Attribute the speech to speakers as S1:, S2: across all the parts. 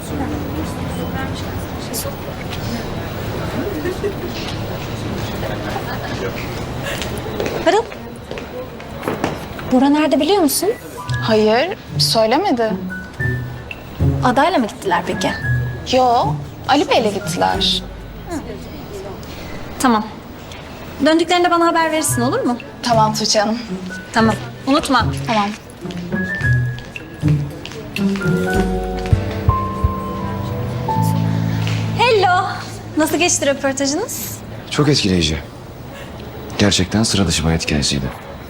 S1: Pırıl. Bora nerede biliyor musun?
S2: Hayır, söylemedi.
S1: Adayla mı gittiler peki?
S2: Yo, Ali Bey'le gittiler.
S1: Tamam. Döndüklerinde bana haber verirsin, olur mu?
S2: Tamam Tuğçe Hanım.
S1: Tamam. Unutma.
S2: Tamam.
S1: Hello. Nasıl geçti röportajınız?
S3: Çok etkileyici. Gerçekten sıra dışı bir hayat hikayesiydi.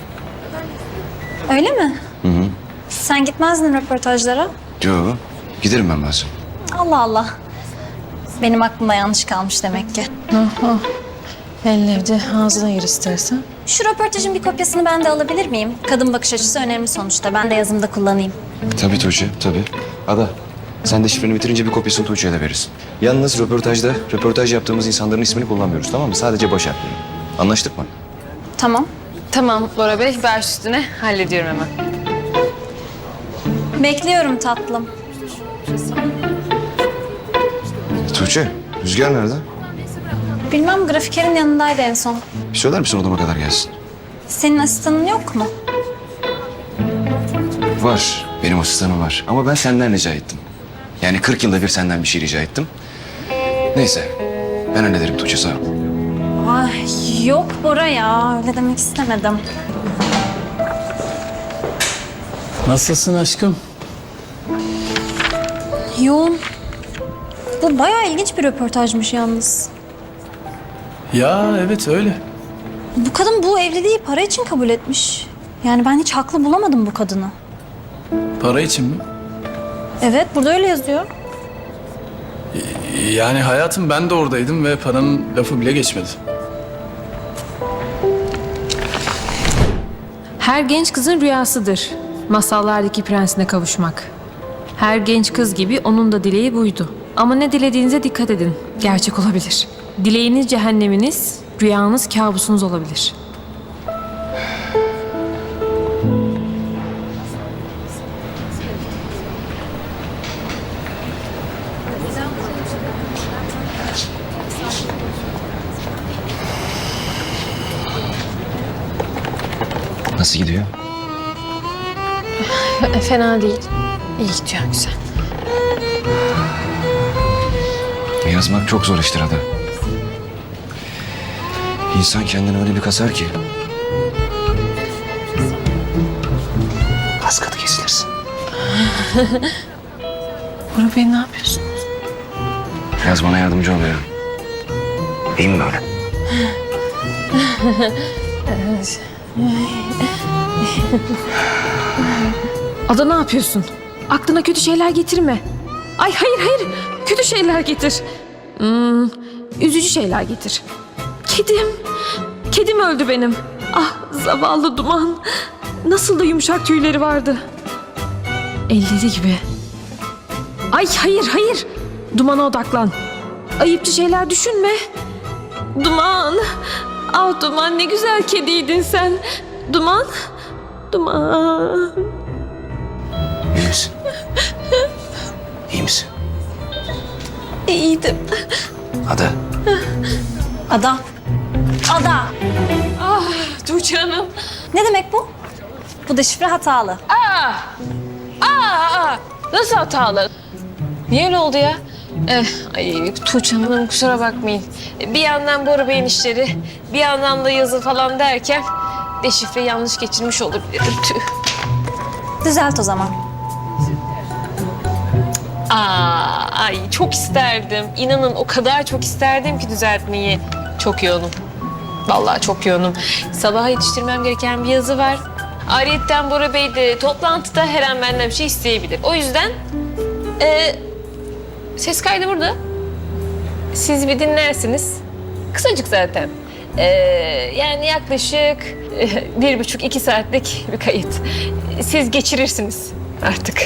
S1: Öyle mi? Sen gitmezdin röportajlara.
S3: Yo, giderim ben bazen.
S1: Allah Allah. Benim aklımda yanlış kalmış demek ki.
S4: Elleri ağzına gir istersen.
S1: Şu röportajın bir kopyasını ben de alabilir miyim? Kadın bakış açısı önemli sonuçta. Ben de yazımda kullanayım.
S3: Tabii Tuğçe, tabii. Ada, sen de şifreni bitirince bir kopyasını Tuğçe'ye de verirsin. Yalnız röportaj yaptığımız insanların ismini kullanmıyoruz, tamam mı? Sadece baş harfleri. Anlaştık mı?
S1: Tamam.
S4: Tamam Bora Bey, baş üstüne hallediyorum hemen.
S1: Bekliyorum tatlım.
S3: Tuğçe, Rüzgar nerede?
S1: Bilmem, grafikerin yanındaydı en son.
S3: Bir söyler misin odama kadar gelsin?
S1: Senin asistanın yok mu?
S3: Var, benim asistanım var. Ama ben senden rica ettim. Yani 40 yılda bir senden bir şey rica ettim. Neyse, ben hallederim Tuğçe, sağ ol.
S1: Ay yok Bora ya, öyle demek istemedim.
S5: Nasılsın aşkım?
S1: Yoğun. Bu bayağı ilginç bir röportajmış yalnız.
S5: Ya evet öyle.
S1: Bu kadın bu evliliği para için kabul etmiş. Yani ben hiç haklı bulamadım bu kadını.
S5: Para için mi?
S1: Evet, burada öyle yazıyor.
S5: Yani hayatım ben de oradaydım ve paranın lafı bile geçmedi.
S6: Her genç kızın rüyasıdır masallardaki prensine kavuşmak. Her genç kız gibi onun da dileği buydu. Ama ne dilediğinize dikkat edin. Gerçek olabilir. Dileğiniz cehenneminiz, rüyanız kabusunuz olabilir.
S3: Nasıl gidiyor?
S6: Fena değil. İyi gidiyor, güzel.
S3: Yazmak çok zor iştir Ada. İnsan kendini öyle bir kasar ki. Az katı kesilirsin.
S6: Bora Bey ne yapıyorsun?
S3: Yaz bana yardımcı oluyor. İyi mi böyle?
S6: Ada ne yapıyorsun? Aklına kötü şeyler getirme. Ay hayır, kötü şeyler getir. Üzücü şeyler getir. Kedim öldü benim. Ah zavallı Duman. Nasıl da yumuşak tüyleri vardı. Elleri gibi. Ay hayır. Duman'a odaklan. Ayıpçı şeyler düşünme. Duman. Ah Duman, ne güzel kediydin sen. Duman.
S3: İyi misin? İyi misin?
S6: İyiydim.
S3: Ada.
S1: Ada. Ada.
S6: Tuğçe Hanım.
S1: Ne demek bu? Bu deşifre hatalı.
S6: Nasıl hatalı? Niye öyle oldu ya? Ay Tuğçe Hanım kusura bakmayın. Bir yandan Bora Bey'in işleri, bir yandan da yazı falan derken deşifre yanlış geçirmiş olabilirim. Tüh.
S1: Düzelt o zaman.
S6: Ay çok isterdim. İnanın o kadar çok isterdim ki düzeltmeyi. Çok yoğunum. Vallahi çok yoğunum. Sabaha yetiştirmem gereken bir yazı var. Ayrıyeten Bora Bey de toplantıda her an benden bir şey isteyebilir. O yüzden ses kaydı burada. Siz bir dinlersiniz. Kısacık zaten. Yani yaklaşık 1,5-2 saatlik bir kayıt. Siz geçirirsiniz artık.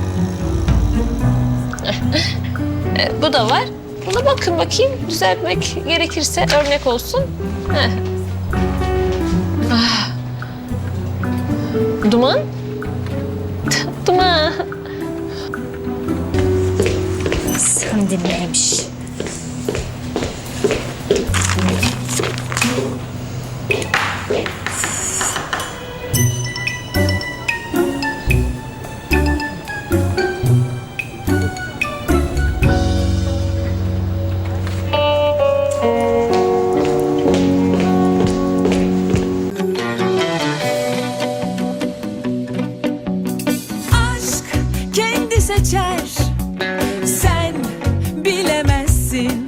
S6: Bu da var. Buna bakın bakayım. Düzeltmek gerekirse örnek olsun. Duman? Duman.
S1: Hem de neymiş?